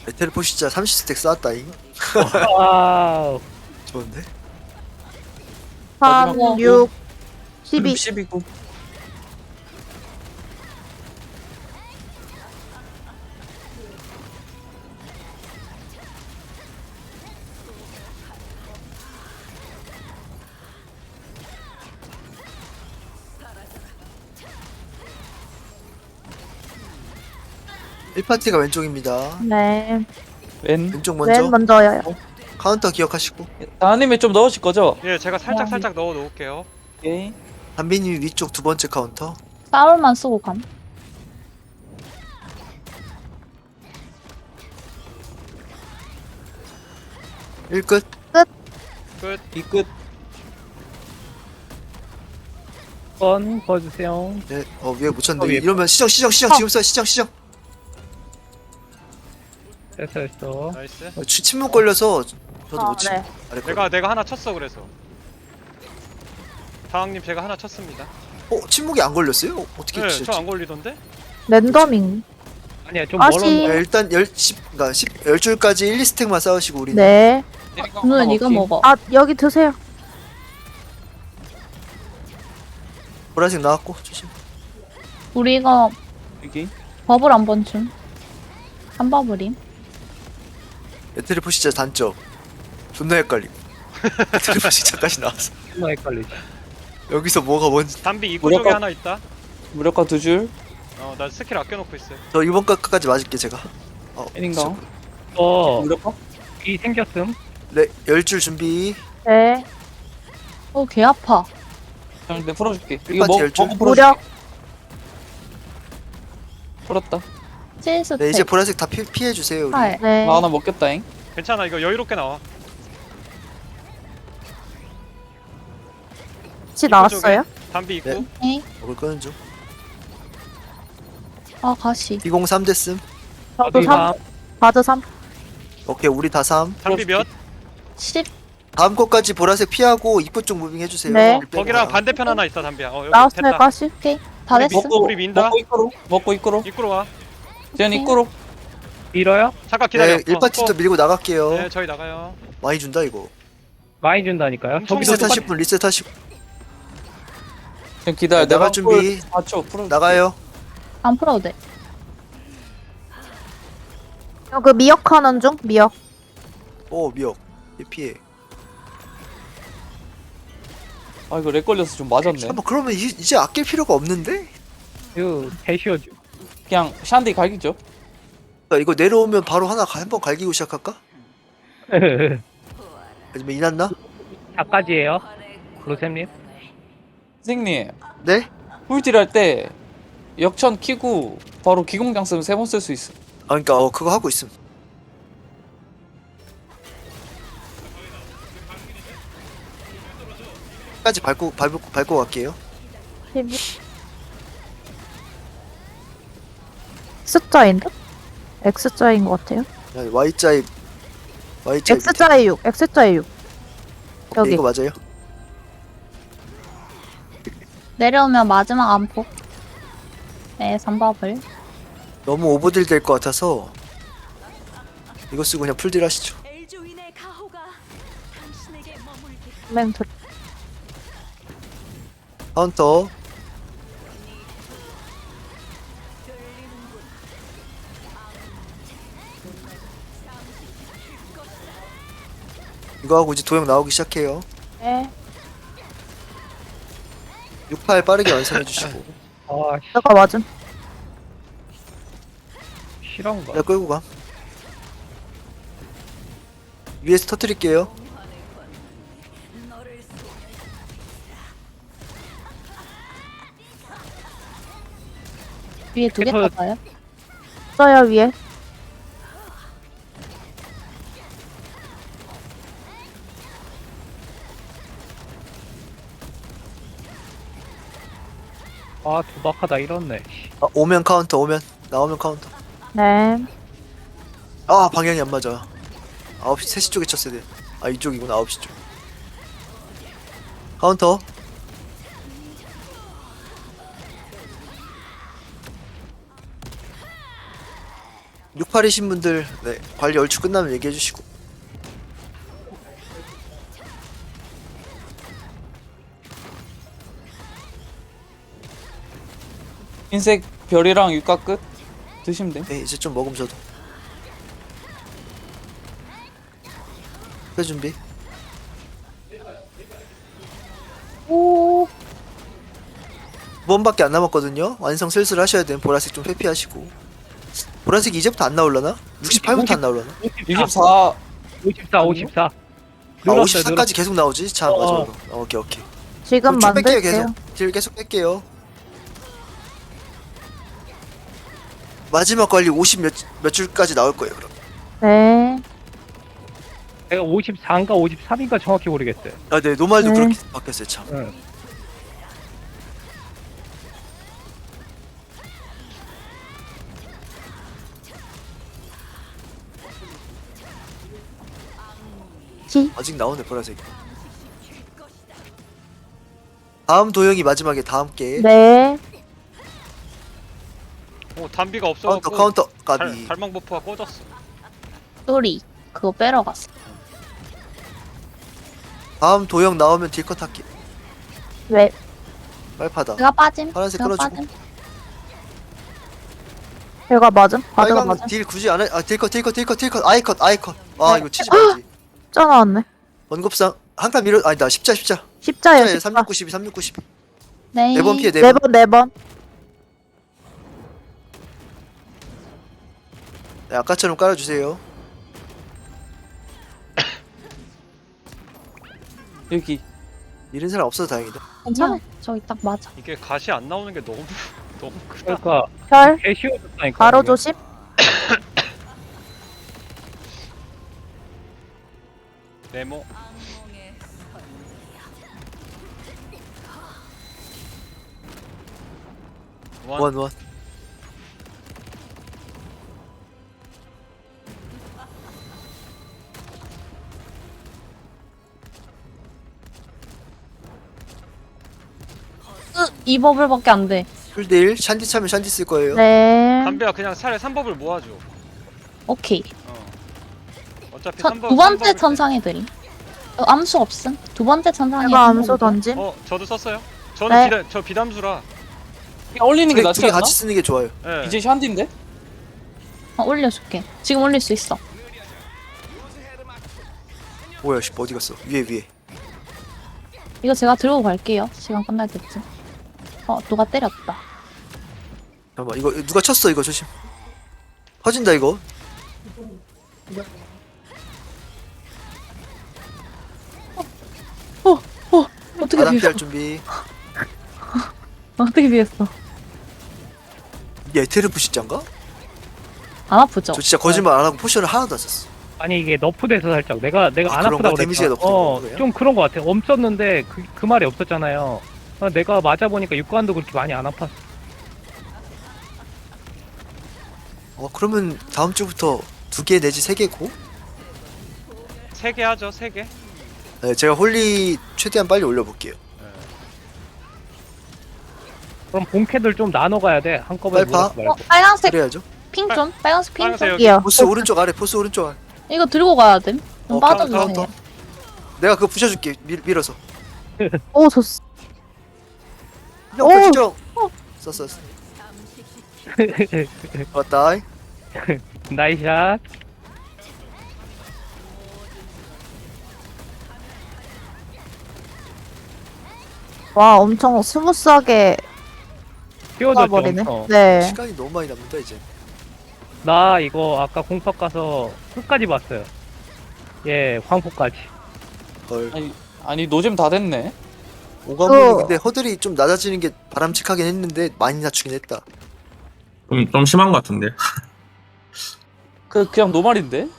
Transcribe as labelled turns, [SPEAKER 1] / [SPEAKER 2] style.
[SPEAKER 1] 텔포 진짜 30스택 쌓았다잉.
[SPEAKER 2] 와우.
[SPEAKER 1] 좋은데?
[SPEAKER 3] 3,
[SPEAKER 4] 마지막
[SPEAKER 3] 6, 12.
[SPEAKER 4] 12구.
[SPEAKER 1] 일파티가 왼쪽입니다.
[SPEAKER 3] 네.
[SPEAKER 4] 왼.
[SPEAKER 1] 왼쪽 먼저.
[SPEAKER 3] 맨 먼저요.
[SPEAKER 1] 카운터 기억하시고.
[SPEAKER 4] 다은님이 좀 넣으실 거죠?
[SPEAKER 5] 예, 제가 살짝 넣어 놓을게요.
[SPEAKER 4] 오케이.
[SPEAKER 1] 담비님 위쪽 두 번째 카운터.
[SPEAKER 6] 싸울만 쓰고 감.
[SPEAKER 1] 일 끝.
[SPEAKER 5] 끝.
[SPEAKER 4] 이 끝.
[SPEAKER 2] 번 보여주세요.
[SPEAKER 1] 네. 위에 묻혔는데.
[SPEAKER 2] 위에.
[SPEAKER 1] 이러면 시정 지금 써 시정.
[SPEAKER 2] 됐어.
[SPEAKER 5] 나이스.
[SPEAKER 1] 침묵 걸려서 저도 못 치.
[SPEAKER 3] 네.
[SPEAKER 1] 아래 거.
[SPEAKER 5] 내가 하나 쳤어 그래서. 다왕님 제가 하나 쳤습니다.
[SPEAKER 1] 침묵이 안 걸렸어요? 어떻게
[SPEAKER 5] 네,
[SPEAKER 1] 치셨지?
[SPEAKER 5] 저 안 걸리던데?
[SPEAKER 3] 랜더밍.
[SPEAKER 2] 아니야, 좀
[SPEAKER 3] 아씨.
[SPEAKER 2] 멀었는데.
[SPEAKER 1] 일단 10줄까지 1, 2스택만 싸우시고 우리.
[SPEAKER 3] 네.
[SPEAKER 6] 누나 이거 먹어.
[SPEAKER 3] 아, 여기 드세요.
[SPEAKER 1] 보라색 나왔고 조심.
[SPEAKER 6] 우리가
[SPEAKER 4] 여기.
[SPEAKER 6] 버블 한 번 줌. 한 버블임.
[SPEAKER 1] 텔포 진짜 단점. 존나 헷갈림. 텔포 진짜까지 나왔어.
[SPEAKER 2] 정말 헷갈리지.
[SPEAKER 1] 여기서 뭐가 뭔지.
[SPEAKER 5] 담비 입구
[SPEAKER 4] 무력화-
[SPEAKER 5] 쪽에 하나 있다.
[SPEAKER 4] 무력화 2줄.
[SPEAKER 5] 나 스킬 아껴놓고 있어요.
[SPEAKER 1] 저 이번 까지 맞을게 제가.
[SPEAKER 4] 팬인가?
[SPEAKER 2] 저,
[SPEAKER 4] 무력화?
[SPEAKER 2] 이 생겼음.
[SPEAKER 1] 네, 10줄 준비.
[SPEAKER 3] 네.
[SPEAKER 6] 개 아파.
[SPEAKER 4] 형, 내가 풀어줄게.
[SPEAKER 1] 일
[SPEAKER 4] 이거
[SPEAKER 1] 파티
[SPEAKER 4] 먹,
[SPEAKER 1] 열줄.
[SPEAKER 4] 먹고 풀어줄게.
[SPEAKER 3] 무력.
[SPEAKER 4] 풀었다.
[SPEAKER 6] 칠스택.
[SPEAKER 1] 네, 이제 보라색 다 피해 주세요, 우리.
[SPEAKER 6] 팔.
[SPEAKER 3] 네.
[SPEAKER 4] 나 하나 먹겠다잉.
[SPEAKER 5] 괜찮아, 이거 여유롭게 나와.
[SPEAKER 3] 같이 나왔어요?
[SPEAKER 5] 담비 입구.
[SPEAKER 1] 네.
[SPEAKER 6] 에이.
[SPEAKER 1] 먹을 거는 좀.
[SPEAKER 6] 아 가시.
[SPEAKER 1] 203 됐음.
[SPEAKER 3] 저도 3. 바드 3.
[SPEAKER 1] 오케이, 우리 다 3.
[SPEAKER 5] 담비 몇?
[SPEAKER 6] 10.
[SPEAKER 1] 다음 거까지 보라색 피하고 입구 쪽 무빙 해주세요.
[SPEAKER 3] 네.
[SPEAKER 1] 우리 빼고
[SPEAKER 5] 거기랑
[SPEAKER 1] 가.
[SPEAKER 5] 반대편 하나 있어 담비야. 여기
[SPEAKER 3] 나왔어요,
[SPEAKER 5] 됐다.
[SPEAKER 3] 가시.
[SPEAKER 6] 오케이. 다
[SPEAKER 5] 우리
[SPEAKER 6] 됐어.
[SPEAKER 5] 먹고 우리 민다.
[SPEAKER 4] 먹고 입구로. 먹고 입구로.
[SPEAKER 5] 입구로 와.
[SPEAKER 4] 쟤는 입구로.
[SPEAKER 2] 밀어요?
[SPEAKER 5] 잠깐 기다려.
[SPEAKER 1] 네, 1파티부터 밀고 나갈게요.
[SPEAKER 5] 네, 저희 나가요.
[SPEAKER 1] 많이 준다, 이거.
[SPEAKER 2] 많이 준다니까요.
[SPEAKER 5] 엄청
[SPEAKER 2] 저기서
[SPEAKER 1] 리셋
[SPEAKER 5] 똑같-
[SPEAKER 1] 하실 분, 리셋 하시고.
[SPEAKER 4] 지금 기다려.
[SPEAKER 1] 네, 나갈
[SPEAKER 4] 내가
[SPEAKER 1] 준비.
[SPEAKER 4] 4초 풀어.
[SPEAKER 1] 나가요.
[SPEAKER 6] 안 풀어도 돼.
[SPEAKER 3] 그 미역하는 중? 미역.
[SPEAKER 1] 미역. 얘 피해.
[SPEAKER 4] 아 이거 렉 걸려서 좀 맞았네.
[SPEAKER 1] 잠깐만, 그러면 이제 아낄 필요가 없는데?
[SPEAKER 2] 그 대시어주.
[SPEAKER 4] 그냥 샨디 갈기죠.
[SPEAKER 1] 이거 내려오면 바로 한번 갈기고 시작할까? 아니면 이났나?
[SPEAKER 2] 다까지예요. 로셈님.
[SPEAKER 4] 선생님,
[SPEAKER 1] 네?
[SPEAKER 4] 꿀딜 할 때 역천 키고 바로 기공장 쓰면 3번 쓸 수 있어.
[SPEAKER 1] 그러니까 그거 하고 있음. 까지 밟고 갈게요.
[SPEAKER 3] 12. X자인 듯? X자인 것 같아요.
[SPEAKER 1] Y자에 밑에.
[SPEAKER 3] X자에 6. X자에 6.
[SPEAKER 1] 오케이,
[SPEAKER 3] 여기.
[SPEAKER 1] 이거 맞아요.
[SPEAKER 6] 내려오면 마지막 안폭. 네, 3버블.
[SPEAKER 1] 너무 오버딜 될 것 같아서 이거 쓰고 그냥 풀딜 하시죠.
[SPEAKER 7] 엘조인의 가호가 당신에게 머물게.
[SPEAKER 3] 멘트.
[SPEAKER 1] 카운터. 이거 하고 이제 도형 나오기 시작해요.
[SPEAKER 3] 네.
[SPEAKER 1] 68 빠르게 완성해 주시고.
[SPEAKER 2] 아,
[SPEAKER 3] 내가 맞음.
[SPEAKER 2] 실화인가?
[SPEAKER 1] 내가 끌고 가. 위에서 터뜨릴게요.
[SPEAKER 6] 위에 두 개
[SPEAKER 2] 터졌-
[SPEAKER 6] 타봐요.
[SPEAKER 3] 써요, 위에.
[SPEAKER 2] 아, 도박하다 이렇네.
[SPEAKER 1] 오면 카운터, 나오면 카운터.
[SPEAKER 3] 네.
[SPEAKER 1] 방향이 안 맞아. 9시 3시 쪽에 쳤어야 돼. 이쪽이구나. 9시 쪽. 카운터. 68이신 분들 네 관리 얼추 끝나면 얘기해 주시고.
[SPEAKER 4] 흰색 별이랑 육각 끝 드시면 돼.
[SPEAKER 1] 네 이제 좀 먹음 저도. 회 준비.
[SPEAKER 6] 오,
[SPEAKER 1] 2번밖에 안 남았거든요. 완성 슬슬 하셔야 돼요. 보라색 좀 회피하시고. 보라색이 이제부터 안 나올라나? 68부터 안 나올라나?
[SPEAKER 4] 24
[SPEAKER 2] 54, 54.
[SPEAKER 1] 아
[SPEAKER 2] 늘었어요,
[SPEAKER 1] 54까지 계속 나오지? 자
[SPEAKER 2] 어.
[SPEAKER 1] 마지막으로. 오케이 오케이.
[SPEAKER 3] 지금
[SPEAKER 1] 쭉 뺄게요
[SPEAKER 3] 만들게요.
[SPEAKER 1] 계속. 딜 계속 뺄게요. 마지막 관리 50 몇 줄까지 나올 거예요 그럼.
[SPEAKER 3] 네.
[SPEAKER 2] 내가 54인가 53인가 정확히 모르겠어요.
[SPEAKER 1] 아 네 노말도
[SPEAKER 3] 네.
[SPEAKER 1] 그렇게 바뀌었어요 참.
[SPEAKER 2] 응.
[SPEAKER 3] 지.
[SPEAKER 1] 아직 나오네 보라색. 다음 도형이 마지막에 다음 게
[SPEAKER 3] 네.
[SPEAKER 5] 오 담비가
[SPEAKER 1] 카운터
[SPEAKER 5] 없어갖고
[SPEAKER 1] 카운터 까비.
[SPEAKER 5] 갈망 버프가 꺼졌어.
[SPEAKER 6] 쏘리. 그거 빼러 갔어.
[SPEAKER 1] 다음 도형 나오면 딜컷 할게.
[SPEAKER 3] 왜?
[SPEAKER 1] 빨파다.
[SPEAKER 6] 제가 빠짐.
[SPEAKER 1] 파란색
[SPEAKER 6] 제가
[SPEAKER 1] 끌어주고.
[SPEAKER 6] 빠짐.
[SPEAKER 3] 제가 맞음? 바드가
[SPEAKER 1] 빨강
[SPEAKER 3] 맞음?
[SPEAKER 1] 딜 굳이 안 해. 아 딜컷 아이컷. 아
[SPEAKER 3] 네.
[SPEAKER 1] 이거 치지 말지.
[SPEAKER 3] 짜 나왔네.
[SPEAKER 1] 원급상 한 칸 밀어. 아니다 십자.
[SPEAKER 3] 십자예요,
[SPEAKER 1] 십자에
[SPEAKER 3] 십자.
[SPEAKER 1] 3692.
[SPEAKER 6] 네.
[SPEAKER 1] 4번 피해
[SPEAKER 3] 네
[SPEAKER 1] 4번.
[SPEAKER 3] 번, 네 번.
[SPEAKER 1] 네, 아까처럼 깔아주세요.
[SPEAKER 4] 여기
[SPEAKER 1] 잃은 사람 없어서 다행이다.
[SPEAKER 6] 괜찮아. 저기 딱 맞아.
[SPEAKER 5] 이게 가시 안 나오는 게 너무 너무 크다.
[SPEAKER 2] 그러니까
[SPEAKER 3] 별.
[SPEAKER 2] 개 쉬워졌다니까.
[SPEAKER 3] 바로
[SPEAKER 2] 이게.
[SPEAKER 3] 조심.
[SPEAKER 5] 네모. 원.
[SPEAKER 1] 원.
[SPEAKER 6] 이 버블밖에 안 돼.
[SPEAKER 1] 풀딜 샨디 차면 샨디 쓸 거예요.
[SPEAKER 3] 네.
[SPEAKER 5] 담비야 그냥 차라리 3법을 모아줘.
[SPEAKER 6] 오케이.
[SPEAKER 5] 어차피
[SPEAKER 6] 첫,
[SPEAKER 5] 3법.
[SPEAKER 6] 두 번째 천상에 드림. 암수 없음. 두 번째 천상에.
[SPEAKER 3] 제가 암수 던짐.
[SPEAKER 5] 저도 썼어요. 저는
[SPEAKER 3] 네.
[SPEAKER 5] 저 비담수라.
[SPEAKER 4] 그냥 올리는 게 낫지
[SPEAKER 1] 두개
[SPEAKER 4] 않나?
[SPEAKER 1] 같이 쓰는 게 좋아요.
[SPEAKER 5] 예.
[SPEAKER 4] 이제 샨디인데?
[SPEAKER 6] 올려줄게. 지금 올릴 수 있어.
[SPEAKER 1] 뭐야 씨 어디 갔어? 위에.
[SPEAKER 6] 이거 제가 들고 갈게요. 시간 끝날 때쯤. 누가 때렸다.
[SPEAKER 1] 잠깐만 이거 누가 쳤어 이거 조심. 터진다 이거.
[SPEAKER 6] 어떻게
[SPEAKER 1] 바닥
[SPEAKER 6] 비했어?
[SPEAKER 1] 피할 준비.
[SPEAKER 6] 어떻게 비했어?
[SPEAKER 1] 이게 에테르 부시장가?
[SPEAKER 6] 안 아프죠?
[SPEAKER 1] 저 진짜 거짓말 안 하고 포션을 하나도 안 썼어.
[SPEAKER 2] 아니 이게 너프돼서 살짝 내가 안
[SPEAKER 1] 그런
[SPEAKER 2] 아프다고
[SPEAKER 1] 거야? 데미지가
[SPEAKER 2] 그랬잖아.
[SPEAKER 1] 너프된 거예요?
[SPEAKER 2] 좀 그런 거 같아. 없었는데 그 말이 없었잖아요. 내가 맞아 보니까 육관도 그렇게 많이 안 아팠어.
[SPEAKER 1] 그러면 다음 주부터 2개 내지 3개고.
[SPEAKER 5] 3개 하죠. 3개.
[SPEAKER 1] 네, 제가 홀리 최대한 빨리 올려볼게요.
[SPEAKER 2] 그럼 본캐들 좀 나눠 가야 돼. 한꺼번에
[SPEAKER 1] 빨파?
[SPEAKER 2] 몰아서 말고.
[SPEAKER 6] 빨간색
[SPEAKER 1] 그래야죠.
[SPEAKER 6] 핑 좀? 빨간색 핑
[SPEAKER 5] 빨간색
[SPEAKER 6] 좀?
[SPEAKER 5] 여기.
[SPEAKER 3] 이요.
[SPEAKER 1] 보스 오른쪽 아래. 보스 오른쪽 아래.
[SPEAKER 6] 이거 들고 가야 됨. 좀 빠져주세요.
[SPEAKER 1] 카운터. 내가 그거 부셔줄게. 밀어서.
[SPEAKER 3] 오, 좋스.
[SPEAKER 1] 형
[SPEAKER 3] 오!
[SPEAKER 1] 부시죠. 썼어. 왔다.
[SPEAKER 2] 나이샷.
[SPEAKER 3] 와, 엄청 스무스하게
[SPEAKER 2] 띄워줬죠.
[SPEAKER 3] 버리네.
[SPEAKER 2] 엄청.
[SPEAKER 3] 네.
[SPEAKER 1] 시간이 너무 많이 남는다 이제.
[SPEAKER 2] 나 이거 아까 공석 가서 끝까지 봤어요. 예, 황포까지.
[SPEAKER 1] 헐.
[SPEAKER 4] 아니 노잼 다 됐네.
[SPEAKER 1] 오가문이 근데 허들이 좀 낮아지는 게 바람직하긴 했는데 많이 낮추긴 했다.
[SPEAKER 8] 좀 심한 것 같은데.
[SPEAKER 4] 그냥 노말인데?